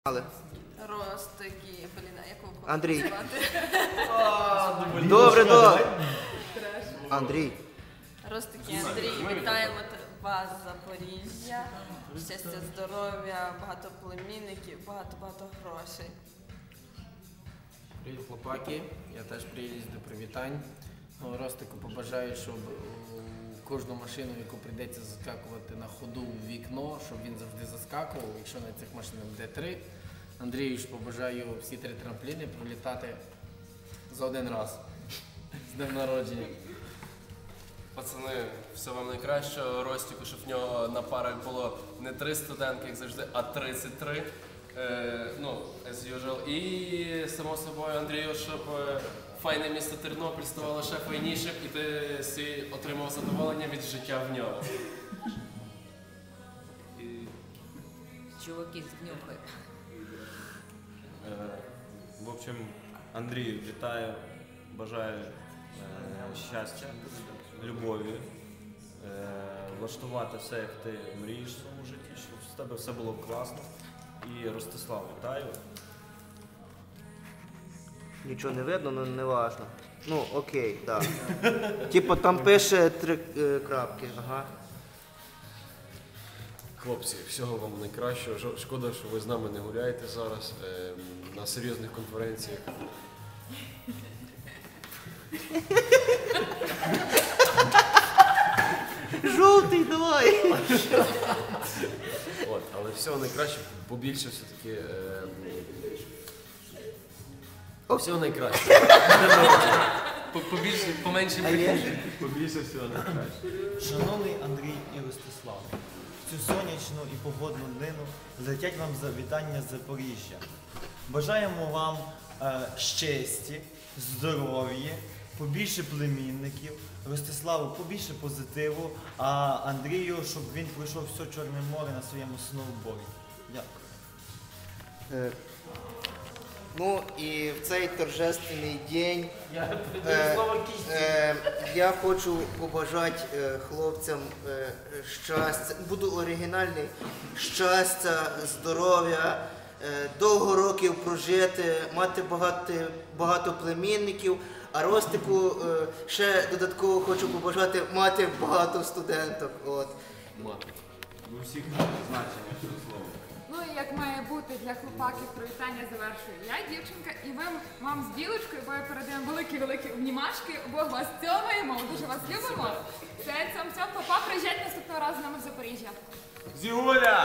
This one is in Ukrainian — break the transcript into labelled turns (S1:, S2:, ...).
S1: Ростики, якого
S2: Андрій.
S1: звати?
S2: Добре. Андрій.
S1: Ростики, Андрій, вітаємо вас з Запоріжжя. Щастя, здоров'я, багато племінників, багато грошей.
S3: Привіт, хлопаки. Я теж приїду до привітань. Ростику побажаю, щоб кожну машину, яку прийдеться заскакувати на ходу в вікно, щоб він завжди заскакував, якщо на цих машинах буде 3. Андрію ж побажаю всі 3 трампліни пролітати за один раз. З днем народження.
S4: Пацани, все вам найкращого. Ростику, щоб в нього на парах було не 3 студентки, як завжди, а 33. As usual. І, само собою, Андрію, щоб файне місто Тернопіль ставало ще файнішим і ти отримав задоволення від життя в ньому.
S1: Чуваки, знюхай.
S5: В общем, Андрій, вітаю, бажаю щастя, любові, влаштувати все, як ти мрієш в своєму житті, щоб з тебе все було класно. І Ростислав, вітаю.
S2: Нічого не видно, але не важно. Ну, окей, так. Типу там пише 3 крапки, ага.
S6: Хлопці, всього вам найкращого. Шкода, що ви з нами не гуляєте зараз на серйозних конференціях.
S2: Жовтий, давай!
S6: Але всього найкраще, побільше все-таки. Всього найкраще.
S4: Побільше, поменше
S6: Побільше всього найкраще.
S7: Шановний Андрій і Ростислав, цю сонячну і погодну днину летять вам вітання з Запоріжжя. Бажаємо вам щастя, здоров'я, побільше племінників, Ростиславу побільше позитиву, а Андрію, щоб він пройшов все Чорне море на своєму сноуборді. Дякую.
S2: Ну і в цей торжественний день я хочу побажати хлопцям щастя, буду оригінальний, щастя, здоров'я, довго років прожити, мати багато племінників, а Ростику ще додатково хочу побажати мати багато студенток.
S5: Мати. У всіх значення цього слова.
S8: Ну і як має бути для хлопаків, привітання завершую я, дівчинка, і вам з білочкою, бо я передаємо великі обнімашки, обох вас цьомаємо, дуже вас любимо. Це цьом, папа, приїжджайте наступного разу з нами в Запоріжжя.
S5: Зігуля!